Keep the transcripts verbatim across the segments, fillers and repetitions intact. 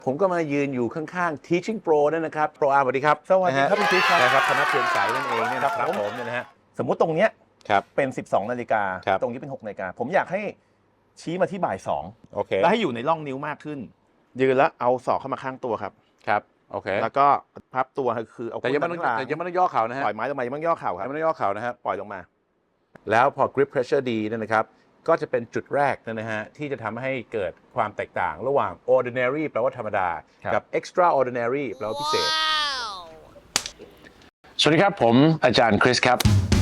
ผมก็มายืนอยู่ข้างๆ Teaching Pro นั่นนะครับ Pro อาร์มสวัสดีครับสวัสดีครับคุณคริสครับนะครับธนเพียรสายนั่นเองเนี่ยนะครับผมเนี่ยนะฮะสมมุติตรงเนี้ยครับเป็นสิบสองนาฬิกาครับตรงนี้เป็นหกนาฬิกาผมอยากให้ชี้มาที่บ่ายสองโอเคแล้วให้อยู่ในร่องนิ้วมากขึ้น ยืนแล้วเอาศอกเข้ามาข้างตัวครับครับโอเคแล้วก็พับตัวคือเอาแต่ยังไม่ต้องก้นด้านแต่ยังข้างไม่ต้องย่อเข่านะฮะปล่อยไม้ลงมายังไม่ต้องย่อเข่าคยัรับงไม่ต้องย่อเข่านะครับปล่อยลงมาแล้วพอ grip pressure ดีเนยนะครับก็จะเป็นจุดแรกนะฮะที่จะทำให้เกิดความแตกต่างระหว่าง ordinary แปลว่าธรรมดา กับ extraordinary แปลว่าพิเศษสวัสดีครับผมอาจารย์คริสครับ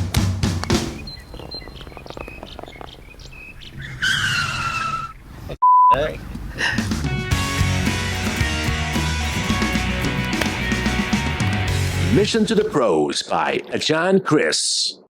Mission to the Pros by อาจารย์คริส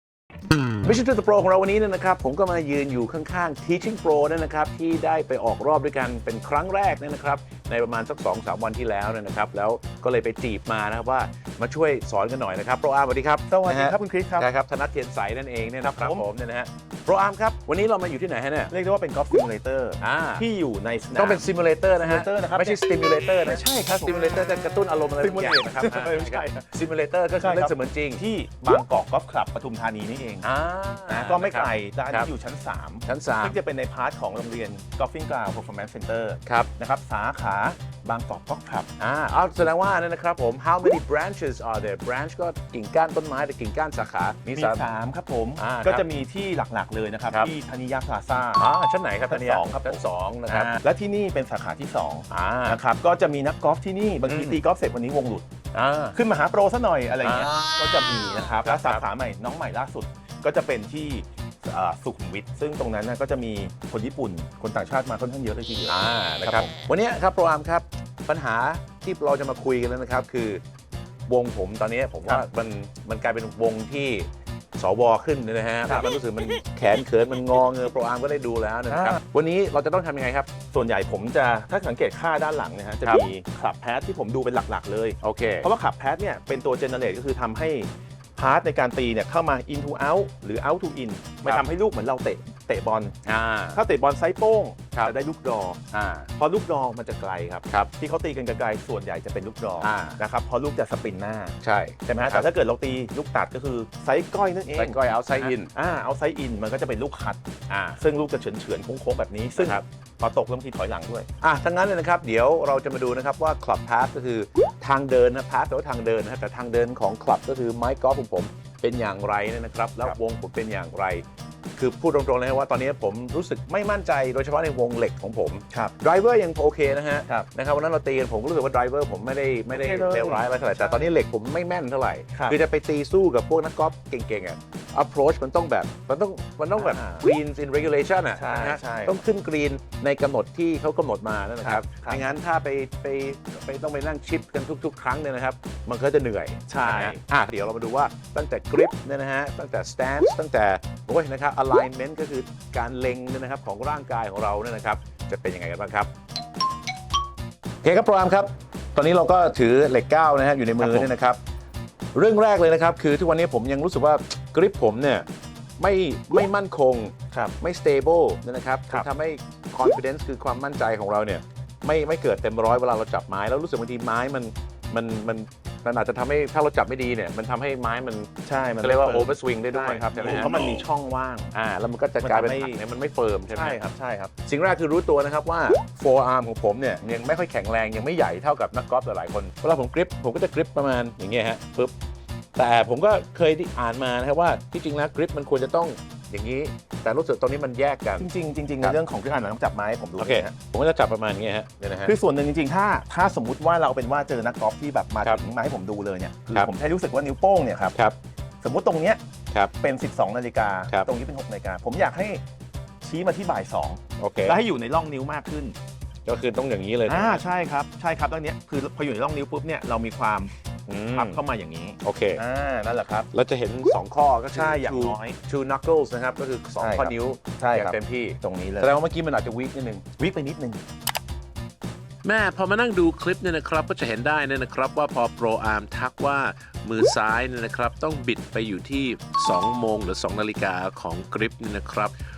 Mission to the Pro ของเราวันนี้เนี่ยนะครับผมก็มายืนอยู่ข้างๆ Teaching Pro นั่นนะครับที่ได้ไปออกรอบด้วยกันเป็นครั้งแรกเนี่ยนะครับในประมาณสัก สองสาม วันที่แล้วเนี่ยนะครับแล้วก็เลยไปจีบมานะครับว่ามาช่วยสอนกันหน่อยนะครับ Pro อาร์มสวัสดีครับสวัสดีครับคุณคริสครับใช่ครับธนัทเทียนใสนั่นเองเนี่ยนะครับครับผมผมเนี่ยนะฮะ Pro อาร์มครับวันนี้เรามาอยู่ที่ไหนฮะเนี่ยเรียกได้ว่าเป็นกอล์ฟซิมูเลเตอร์อ่าที่อยู่ในสนามต้องเป็น simulator นะฮะ simulator นะครับไม่ใช่ stimulator นะไม่ใช่ครับ stimulator จะกระตุ้นอารมณ์อะไรบางอย่าง Simulate นะครับอ่าไม่ใช่ครับ simulator ก็คือเล่นเสมือนจริงที่บางกอกกอล์ฟคลับปทุมธานีนี่เองอ่านะก็ไม่ไกลด้านครันี้บอยู่ชั้นสามชั้นสามซึ่งจะเป็นในพาร์ทของโรงเรียน Golfing Ground Performance Center ครับนะครับสาขาบางกอกกอล์ฟคลับอ่าเอาแสดงว่านั่นนะครับผม how many branches are there branch ก็กิ่งก้านต้นไม้แต่กิ่งก้านสาขา มีมีสามสามครับผมอ่าก็ครับจะมีที่หลักๆเลยนะครับครับที่ธนิยาพลาซ่าอ่าชั้นไหนครับชั้นท่าสองครับชั้นสองนะครับอ่าและที่นี่เป็นสาขาที่สองอ่านะครับก็จะมีนักกอล์ฟที่นี่บางทีอืมตีกอล์ฟเสร็จวันนี้วงหลุดอ่าขึ้นมาหาโปรซะหน่อยอะไรอย่างเงี้ยอ่าก็จะมีนะครับครับและสาขาใหม่น้องใหม่ล่าสุด ก็จะเป็นที่อ่าสุขุมวิทซึ่งตรงนั้นนะก็จะมีคนญี่ปุ่น คนต่างชาติมาค่อนข้างเยอะเลยทีเดียวอ่านะครับผมวันนี้ครับโปรอาร์มครับปัญหาที่เราจะมาคุยกันแล้วนะครับคือวงผมตอนนี้ผมว่ามันมันกลายเป็นวงที่สวขึ้นนะฮะมันรู้สึกมันแขนเขินมันงอเงอโปรอาร์มก็ได้ดูแล้วนะครับวันนี้เราจะต้องทำยังไงครับส่วนใหญ่ผมจะถ้าสังเกตค่าด้านหลังนะฮะจะครับมีคลับแพทที่ผมดูเป็นหลักๆเลยโอเคเพราะว่าขับแพทเนี่ยเป็นตัวเจเนเรตก็คือทำให้พาร์ทในการตีเนี่ยเข้ามา in to out หรือ out to in ไม่ทำให้ลูกเหมือนเราเตะเตะบอลอ่าถ้าเตะบอลไซส์โป้งครับจะได้ลูกดรออ่าพอลูกดรอมันจะไกลครับครับที่เขาตีกันไกลๆส่วนใหญ่จะเป็นลูกดรออ่านะครับเพราะลูกจะสปินหน้าใช่ใช่ไหมฮะครัแต่บถ้าเกิดเราตีลูกตัดก็คือไซส์ก้อยนั่นเองไซส์ก้อย outside in อ่าเอาไซส์อินมันก็จะเป็นลูกคัดอ่าซึ่งลูกจะเฉือนเฉือนๆโค้งๆแบบนี้ ซึ่งครับพอตกแล้วบางทีถอยหลังด้วยอ่ะทั้งนั้นเลยนะครับเดี๋ยวเราจะมาดูนะครับว่า Club Path ก็คือทางเดินนะ Path แปลว่าทางเดินนะครับแต่ทางเดินของ Club ก็คือไม้กอล์ฟของผมเป็นอย่างไรเนี่ยนะครับแล้วครับวงผมเป็นอย่างไร คือพูดตรงๆเลยนะว่าตอนนี้ผมรู้สึกไม่มั่นใจโดยเฉพาะในวงเหล็กของผมครับไดรเวอร์ยังโอเคนะฮะครับนะครับวันนั้นเราตีกันผมก็รู้สึกว่าไดรเวอร์ผมไม่ได้ไม่ได้โอเคเลยเลวร้ายอะไรเท่าไหร่แต่ตอนนี้เหล็กผมไม่แม่นเท่าไหร่ครับคือจะไปตีสู้กับพวกนักกอล์ฟเก่งๆอ่ะ approach มันต้องแบบมันต้องมันต้องแบบอ่า green in regulation อ่ะใช่นะฮะใช่ต้องขึ้นกรีนในกำหนดที่เขากำหนดมานั่นนะครับครับไม่งั้นถ้าไปไปไปต้องไปนั่งชิปกันทุก ๆ ครั้งเนี่ยนะครับ มันก็จะเหนื่อยใช่นะฮะอ่ะเดี๋ยวเรามาดูว่าตั้งแต่ grip เนี่ยนะฮะตั้งแต่ stance ตั้งแต่โอ้ยนะครับ alignment ก็คือการเล็งเนี่ยนะครับของร่างกายของเราเนี่ยนะครับจะเป็นยังไงกันบ้างครับโอเคครับโปรอาร์มครับ ตอนนี้เราก็ถือเหล็กเก้านะฮะอยู่ในมือเนี่ยนะครับ เรื่องแรกเลยนะครับ คือทุกวันนี้ผมยังรู้สึกว่ากริปผมเนี่ยไม่ไม่มั่นคงครับไม่ stable นะครับครับทำให้ confidence คือความมั่นใจของเราเนี่ยไม่ไม่เกิดเต็มร้อยเวลาเราจับไม้ แล้วรู้สึกบางทีไม้มันมันมันมันอาจจะทำให้ถ้าเราจับไม่ดีเนี่ยมันทำให้ไม้มันใช่มันเขาเรียกว่าไม่ฟิร์ม over swing ได้ด้วยใช่ครับใช่ไหมฮะเพราะมันมีช่องว่างอ่าแล้วมันก็จะกลายเป็นมันทำให้ผักเนี่ยมันไม่เฟิร์มใช่ไหมใช่ครับใช่ครับสิ่งแรกคือรู้ตัวนะครับว่า forearm ของผมเนี่ยยังไม่ค่อยแข็งแรงยังไม่ใหญ่เท่ากับนักกอล์ฟหลายๆคนเวลาผมกริปผมก็จะกริปประมาณอย่างเงี้ยฮะปึ๊บแต่ผมก็เคยได้อ่านมานะครับว่าที่จริงแล้วกริปมันควรจะต้องอย่างนี้ แต่รู้สึกตรงนี้มันแยกกันจริงๆจริงๆครัในบเรื่องของเครื่องอ่านหนังจับไม้ผมดูโอเคนะฮะผมก็จะจับประมาณอย่างเงี้ยฮะเนี่ยนะฮะคือส่วนหนึ่งจริงๆ ถ้าถ้าสมมุติว่าเราเป็นว่าเจอนักกอล์ฟที่แบบมาครับถึงมาให้ผมดูเลยเนี่ยคือครับผมแค่รู้สึกว่านิ้วโป้งเนี่ยครับครับสมมุติตรงเนี้ยครับเป็นสิบสองนาฬิกาครับตรงนี้เป็นหกนาฬิกาผมอยากให้ชี้มาที่บ่ายสองโอเคแล้วให้อยู่ในร่องนิ้วมากขึ้นก็คือต้องอย่างนี้เลยอ่าใช่ครับใช่ครับตรงเนี้ยคือพออยู่ในร่องนิ้วปุ๊บเนี่ยเรามีความอืมพับเข้ามาอย่างนี้โอเคอ่านั่นแหละครับเราจะเห็นสองข้อก็คือใช่อย่าง two น้อย two knuckles นะครับก็คือสองใช่ข้อครับนิ้วใช่อย่าครับงเต็มที่ตรงนี้เลยแสดงว่าเมื่อกี้มันอาจจะวีคนิดนึงวิกไปนิดนึงแม่พอมานั่งดูคลิปเนี่ยนะครับก็จะเห็นได้เนี่ยนะครับว่าพอโปรอาร์มทักว่ามือซ้ายเนี่ยนะครับต้องบิดไปอยู่ที่สองโมงหรือสองนาฬิกาของกริปเนี่ยนะครับ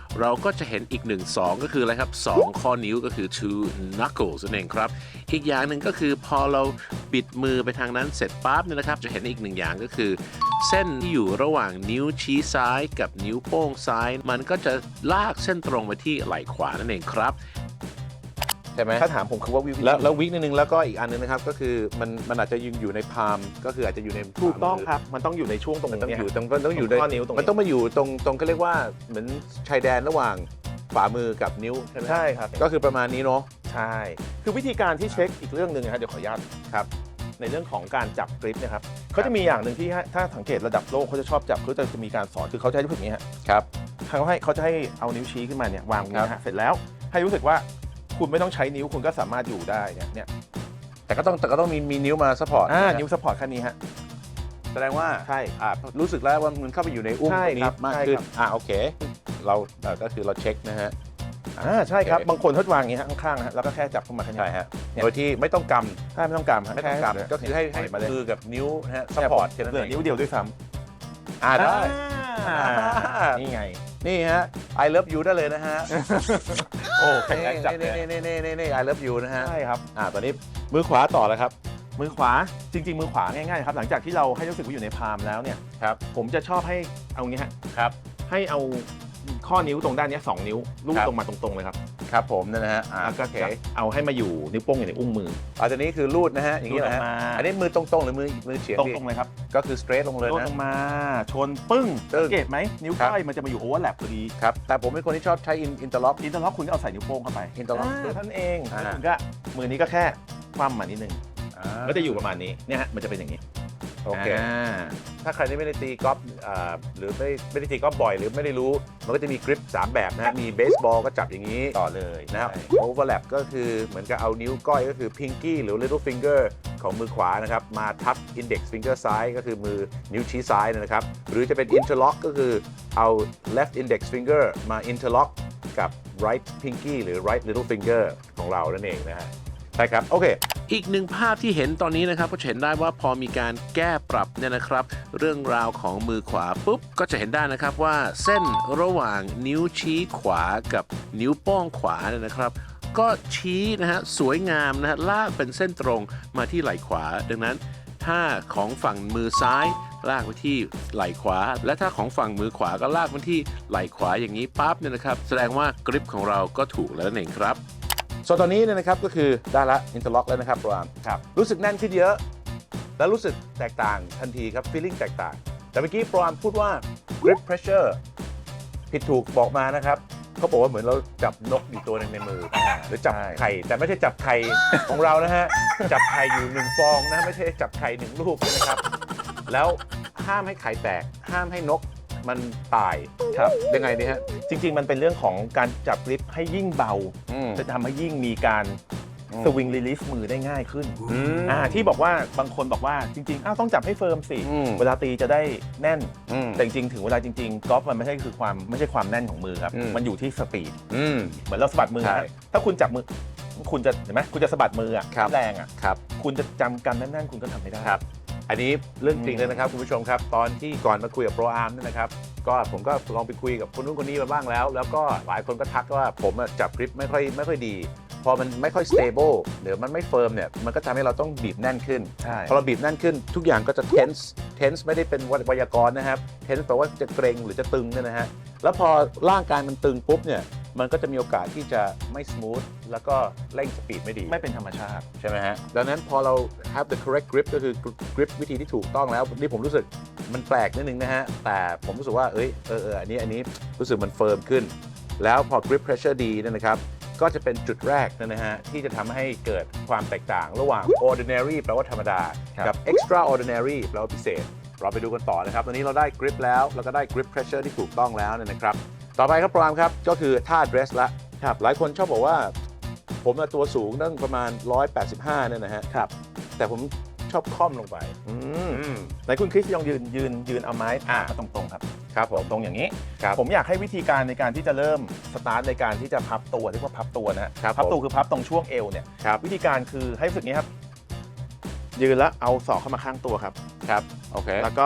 เราก็จะเห็นอีกหนึ่งสองก็คืออะไรครับสองข้อนิ้วก็คือ two knuckles นั่นเองครับอีกอย่างหนึ่งก็คือพอเราบิดมือไปทางนั้นเสร็จปั๊บเนี่ยนะครับจะเห็นอีกหนึ่งอย่างก็คือ เส้นที่อยู่ระหว่างนิ้วชี้ซ้ายกับนิ้วโป้งซ้าย มันก็จะลากเส้นตรงไปที่ไหล่ขวานั่นเองครับใช่ไหมถ้าถามผมคือว่าวิวแล้วแล้ววิกนิดนึงแล้วก็อีกอันนึงนะครับก็คือมันมันอาจจะยืนอยู่ในพาล์มก็คืออาจจะอยู่ในถูกต้องครับ มันต้องอยู่ในช่วงตรงมันต้องเนี้อยู่ยตรงมันต้องอยู่ตรงข้อนิ้วตรงนี้มันต้องมาอยู่ตรงตรงเขาเรียกว่าเหมือนชายแดนระหว่างฝ่ามือกับนิ้วใช่ไหมใช่ครับก็คือประมาณนี้เนาะใช่ คือวิธีการที่เช็คอีกเรื่องหนึ่งนะครับเดี๋ยวขออนุญาตครับในเรื่องของการจับกริปเนะครับเขาจะมีอย่างหนึ่งที่ให้ถ้าสังเกตระดับโลกเขาจะชอบจับเขาจะมีการสอนคือเขาจะให้รู้สึกอย่างนี้ฮะครับเขาให้เขาจะให้เอานิ้วชี้ขึ้นมาเนี่ยวางตรงนี้ครัฮะบเสร็จแล้วให้รู้สึกว่าคุณไม่ต้องใช้นิ้วคุณก็สามารถอยู่ได้เนี่ยเนี่ยแต่ก็ต้องแต่ก็ต้องมีมีนิ้วมาซัพพอร์ตอ่านิ้วซัพพอร์ตแค่นี้ฮะแสดงว่าใช่อ่ารู้สึกแล้วว่ามันเข้าไปอยู่ในอุ้งใช่ตรงครันี้บมากใช่ขึ้นครับอ่าโอเค เราเอ่อก็คือเราเช็คนะฮะอ่าใช่ครับโอเคบางคนเขาจะวางอย่างนี้ฮะข้างๆฮะแล้วก็แค่จับเข้ามาแค่นี้ใช่ฮะเนี่ยโดยที่ไม่ต้องกใช่ไม่ต้องกำฮะำไม่ต้องแกำก็คือให้ให้ปล่ยมาเลยมือกับนิ้วนะฮะซัพพอร์ตแค่นั้นเหลือเองนิ้วเดียวด้วยซ้อ่าำได้อ่าอ่านี่ไงนี่ฮะ I love you ได้เลยนะฮะโอ้แข็งแรงจับเลนี่ยนี่นี่นี่นี่ I love you นะฮะใช่ครับอ่าตอนนี้มือขวาต่อแล้วครับมือขวาจริง ๆ มือขวาง่ายๆครับหลังจากที่เราให้รู้สึกว่าอยู่ในพาล์มแล้วเนี่ยครับผมจะชอบให้เอางี้ฮะครับให้เอาข้อนิ้วตรงด้านเนี้ยสองนิ้วลูบครับตรงมาตรงๆเลยครับครับผมนั่นนะฮะอ่าแล้วก็โอเคจะเอาให้มาอยู่นิ้วโป้งอยู่ในอุ้งมืออ่าตอนนี้คือรูดนะฮะอย่างนี้นะฮะรูดออกมาอันนี้มือตรงๆหรือมือมือเฉียงตดีรงๆเลยครับก็คือ straight ลงเลยลูบนะลงมาชนปึ้งปึ้งสังเกตไหมนิ้วครับก้อยมันจะมาอยู่โอเวอร์แลปพอดีครับแต่ผมเป็นคนที่ชอบใช้ interlock อินเตอร์ล็อกคุณก็เอาใส่นิ้วโป้งเข้าไป interlock าเท่านั้นเองอ่าแล้วคุณก็มือนี้ก็แค่คว่ำมานิดนึงอ่าก็จะอยู่ประมาณนี้เนี่ยฮะมันจะเป็นอย่างนี้โอเคอ่าถ้าใครที่ไม่ได้ตีกอล์ฟอ่าหรือไม่ไม่ได้ตีกอล์ฟบ่อยหรือไม่ได้รู้ มันก็จะมีกริปสามแบบนะฮะมีเบสบอลก็จับอย่างนี้ต่อเลยนะครับใช่ overlap ก็คือเหมือนกับเอานิ้วก้อยก็คือ pinky หรือ little finger ของมือขวานะครับมาทับ index finger ซ้ายก็คือมือนิ้วชี้ซ้ายนะครับหรือจะเป็น interlock ก็คือเอา left index finger มา interlock กับ right pinky หรือ right little finger ของเรานั่นเองนะฮะใช่ครับ โอเคอีกหนึ่งภาพที่เห็นตอนนี้นะครับก็จะเห็นได้ว่าพอมีการแก้ปรับเนี่ยนะครับ เรื่องราวของมือขวาปุ๊บก็จะเห็นได้นะครับว่าเส้นระหว่างนิ้วชี้ขวากับนิ้วโป้งขวาเนี่ยนะครับ ก็ชี้นะฮะสวยงามนะฮะลากเป็นเส้นตรงมาที่ไหล่ขวา ดังนั้นถ้าของฝั่งมือซ้ายลากไปที่ไหล่ขวา และถ้าของฝั่งมือขวาก็ลากไปที่ไหล่ขวาอย่างนี้ปั๊บเนี่ยนะครับแสดงว่ากริปของเราก็ถูกแล้วนั่นเองครับส่วนตอนนี้เนี่ยนะครับก็คือได้ละ interlock แล้วนะครับโปรอาร์มครับรู้สึกแน่นขึ้นเยอะ แล้วรู้สึกแตกต่างทันทีครับ feeling แตกต่าง แต่เมื่อกี้โปรอาร์มพูดว่า grip pressure ผิดถูกบอกมานะครับเขาบอกว่าเหมือนเราจับนกอยู่ตัวหนึงในมือ หรือจับไข่ แต่ไม่ใช่จับไข่ของเรานะฮะ จับไข่อยู่หนึ่งฟองนะไม่ใช่จับไข่หนึ่งลูกนะครับ แล้วห้ามให้ไข่แตก ห้ามให้นกมันตายครับยังไงดีฮะจริง ๆ มันเป็นเรื่องของการจับกริปให้ยิ่งเบาอืมจะทำให้ยิ่งมีการอืมสวิงรีลิสมือได้ง่ายขึ้นอืมอ่าที่บอกว่าบางคนบอกว่าจริงๆอ้าวต้องจับให้เฟิร์มสิอืมเวลาตีจะได้แน่นอืมแต่จริงๆถึงเวลาจริงๆกอล์ฟมันไม่ใช่คือความไม่ใช่ความแน่นของมือครับอืมมันอยู่ที่สปีดอืมเหมือนเราสะบัดมือใช่นะถ้าคุณจับมือคุณจะเห็นไหมคุณจะสะบัดมืออ่ะครับแรงอ่ะครับคุณจะจำกันแน่นๆคุณก็ทำไม่ได้ครับ อันนี้เรื่องจริงอืมเลยนะครับคุณผู้ชมครับ ตอนที่ก่อนมาคุยกับโปรอาร์มเนี่ยนะครับ ก็ผมก็ลองไปคุยกับคนนู้นคนนี้มาบ้างแล้ว แล้วก็หลายคนก็ทักว่าผมอะจับกริปไม่ค่อยไม่ค่อยดี พอมันไม่ค่อย stable เดี๋ยวมันไม่เฟิร์มเนี่ย มันก็ทำให้เราต้องบีบแน่นขึ้นใช่พอเราบีบแน่นขึ้นทุกอย่างก็จะ tense tense ไม่ได้เป็นไวยากรณ์นะครับ tense แปลว่าจะเกรงหรือจะตึงเนี่ยนะฮะ แล้วพอร่างกายมันตึงปุ๊บเนี่ย มันก็จะมีโอกาสที่จะไม่ smooth แล้วก็เร่งสปีดไม่ดีไม่เป็นธรรมชาติใช่ไหมฮะ ดังนั้นพอเรา have the correct grip ก็คือ grip วิธีที่ถูกต้องแล้วนี่ผมรู้สึกมันแปลกนิดนึงนะฮะ แต่ผมรู้สึกว่า เอ้ย เออเอออันนี้ อันนี้รู้สึกมันเฟิร์มขึ้น แล้วพอ grip pressure ดีเนยนะครับ ก็จะเป็นจุดแรกนะฮะ ที่จะทำให้เกิดความแตกต่างระหว่าง ordinary แปลว่าธรรมดาครับกับ extraordinary แปลว่าพิเศษ เราไปดูกันต่อนะครับ ตอนนี้เราได้ grip แล้ว แล้วก็ได้ grip pressure ที่ถูกต้องแล้วเนี่ยนะครับ ต่อไปครับปรามครับ ก็คือท่า dress ละครับหลายคนชอบบอกว่า ผมน่ะตัวสูงตั้งประมาณหนึ่งร้อยแปดสิบห้าเนี่ยนะฮะครับแต่ผมชอบค่อมลงไปอืมอืมไหนคุณคริสลองยืนยืนยืนเอาไม้อ่ามาตรงๆครับครับผมตรงอย่างนี้ครับผมอยากให้วิธีการในการที่จะเริ่มสตาร์ทในการที่จะพับตัวเรียกว่าพับตัวนะฮะครับพับตัวผมคือพับตรงช่วงเอวเนี่ยครับวิธีการคือให้รู้สึกนี้ครับ ยืนแล้วเอาศอกเข้ามาข้างตัวครับครับ โอเคแล้วก็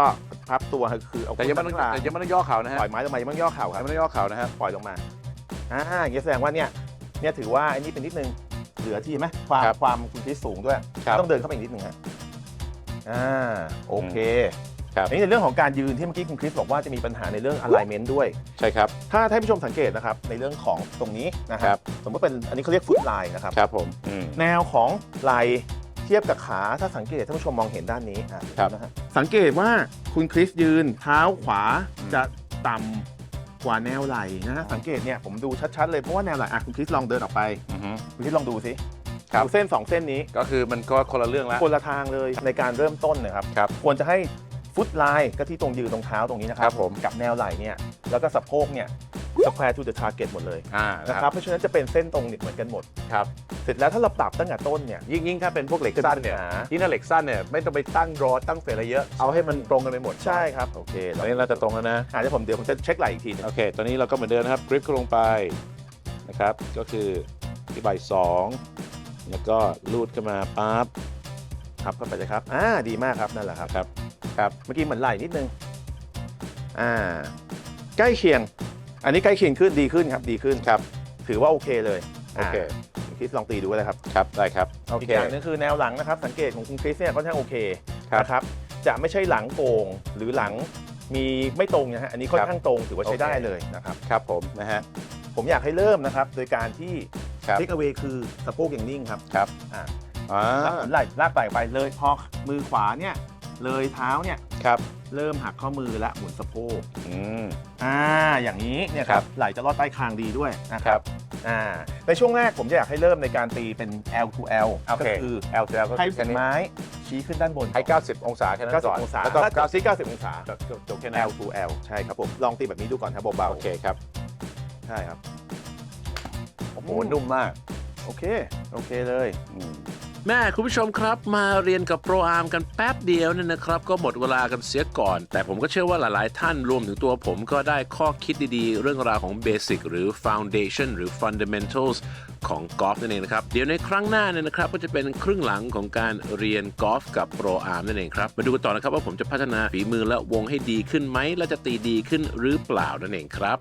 พับตัวคือเอาแต่ยังไม่ต้องข้างหลัแต่ยังไม่ต้องย่อเข่านะฮะปล่อยไม้ลงมายังไม่ต้องย่อเข่าคยัรังบไม่ต้องย่อเข่านะฮะปล่อยลงมาอ่าอย่างนี้แสดงว่าเนี่ยเนี่ยถือว่าอันนี้เป็นนิดนึงเหลือที่ไหมความครับความคุณคริสสูงด้วยครับต้องเดินเข้าไปอีกนิดนึงฮะอ่าโอเคครับอันนี้ในเรื่องของการยืนที่เมื่อกี้คุณคริสบอกว่าจะมีปัญหาในเรื่อง alignment ด้วยใช่ครับถ้าท่านผู้ชมสังเกตนะครับในเรื่องของตรงนี้นะคครัรับบ สมมติเป็นอันนี้เขาเรียกฟุตไลน์นะครับครับผมอืมแนวของไหล่เทียบกับขาถ้าสังเกตท่านผู้ชมมองเห็นด้านนี้อ่ะครับนะฮะสังเกตว่าคุณคริสยืนเท้าขวาอืมจะต่ำกว่าแนวไหล่นะฮะสังเกตเนี่ยผมดูชัดๆเลยเพราะว่าแนวไหล่อ่ะคุณคริสลองเดินออกไปอือฮึคุณคริสลองดูสิครับดูเส้นสองเส้นนี้ก็คือมันก็คนละเรื่องแล้วคนละทางเลยในการเริ่มต้นนะครับครับควรจะให้ฟุตไลน์ก็ที่ตรงยืนตรงเท้าตรงนี้นะคครัรับบผมกับแนวไหล่เนี่ยแล้วก็สะโพกเนี่ย square to the target หมดเลยอ่านะนะคครัรับบ เพราะฉะนั้นจะเป็นเส้นตรงเหมือนกันหมดครับเสร็จแล้วถ้าเราปรับตั้งแต่ต้นเนี่ยยิ่งยิ่งถ้าเป็นพวกเหล็กสั้นเนี่ยจะมีปัญหายิ่งถ้าเหล็กสั้นเนี่ยไม่ต้องไปตั้งรอตั้งเฟรอะไรเยอะเอาให้มันตรงกันไปหมดใช่ครับโอเคตอนนี้เราจะตรงแล้วนะอ่าเดี๋ยวผมเดี๋ยวผมจะเช็คไหล่อีกทีหนึงโอเค ตอนนี้เราก็เหมือนเดิมนะครับกริปก็ลงไปนะครับ ก็คือที่ใบสองแล้วก็ลูดขึ้นมาปั๊บพับเข้าไปเลยครับอ่าดีมากครับนั่นแหละครับครับครับเมื่อกี้เหมือนไหล่นิดนึงอ่าใกล้เคียง อันนี้ใกล้เคียงขึ้นดีขึ้นครับดีขึ้นครับถือว่าโอเคเลยโอเคาคุณคริสลองตีดูก็ได้ครับครับได้ครับโออีกเคอย่างหนึงคือแนวหลังนะครับสังเกตของคุณคริสเนี่ยค่อนข้างโอเคครับนะครับจะไม่ใช่หลังโก่งหรือหลังมีไม่ตรงนะฮะอันนี้ค่อนข้างตรงถือว่าใช้ได้เลยนะครับครับผมนะฮะผมอยากให้เริ่มนะครับโดยการที่ครับเทคเอา a y คือสะโพกอย่างนิ่งครับครับอ่าอ่าลากไหล่ลากไหล่ไปเลยพอมือขวาเนี่ยเลยเท้าเนี่ยครับเริ่มหักข้อมือและหมุนสะโพกอืมอ่าอย่างนี้เนี่ยคครัรับบ ไหล่จะลอดใต้คางดีด้วยนะคครัรับบ อ่าในช่วงแรกผมจะอยากให้เริ่มในการตีเป็น L to L โอก็เคคือ L แล้วก็ให้คือฝีแค่นี้ไม้ชี้ขึ้นด้านบนให้เก้าสิบองศาแค่นั้นก่อนเก้าสิบองศาแล้วก็ถ้าเก้าสิบที่เก้าสิบองศาจบจบจบแค่นั้น L to L ใช่ครับผมลองตีแบบนี้ดูก่อนครับเบาโอเคครับๆใช่ครับโอ้โหนุ่มมากโอเคโอเคเลยอืมแม่คุณผู้ชมครับมาเรียนกับโปรอาร์มกันแป๊บเดียวเนี่ยนะครับ ก็หมดเวลากันเสียก่อน แต่ผมก็เชื่อว่าหลายๆ ท่านรวมถึงตัวผมก็ได้ข้อคิดดีๆ เรื่องราวของเบสิกหรือ Foundation หรือ Fundamentals ของกอล์ฟนั่นเองนะครับ เดี๋ยวในครั้งหน้าเนี่ยนะครับ ก็จะเป็นครึ่งหลังของการเรียนกอล์ฟกับโปรอาร์มนั่นเองครับ มาดูกันต่อนะครับว่าผมจะพัฒนาฝีมือและวงให้ดีขึ้นไหมและจะตีดีขึ้นหรือเปล่านั่นเองครับ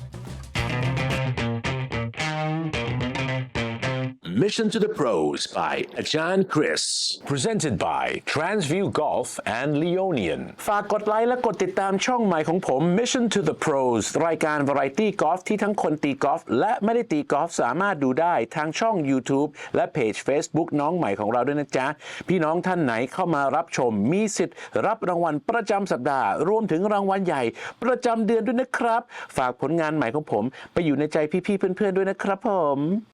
Mission to the Pros by Ajahn Chris. Presented by Transview Golf and Leonian. ฝากกดไลค์และกดติดตามช่องใหม่ของผม Mission to the Pros รายการ Variety Golf ที่ทั้งคนตีกอล์ฟและไม่ได้ตีกอล์ฟสามารถดูได้ทางช่อง YouTube และเพจ Facebook น้องใหม่ของเราด้วยนะจ๊ะ พี่น้องท่านไหนเข้ามารับชมมีสิทธิ์รับรางวัลประจำสัปดาห์ รวมถึงรางวัลใหญ่ประจำเดือนด้วยนะครับ ฝากผลงานใหม่ของผมไปอยู่ในใจพี่ๆเพื่อนๆด้วยนะครับผม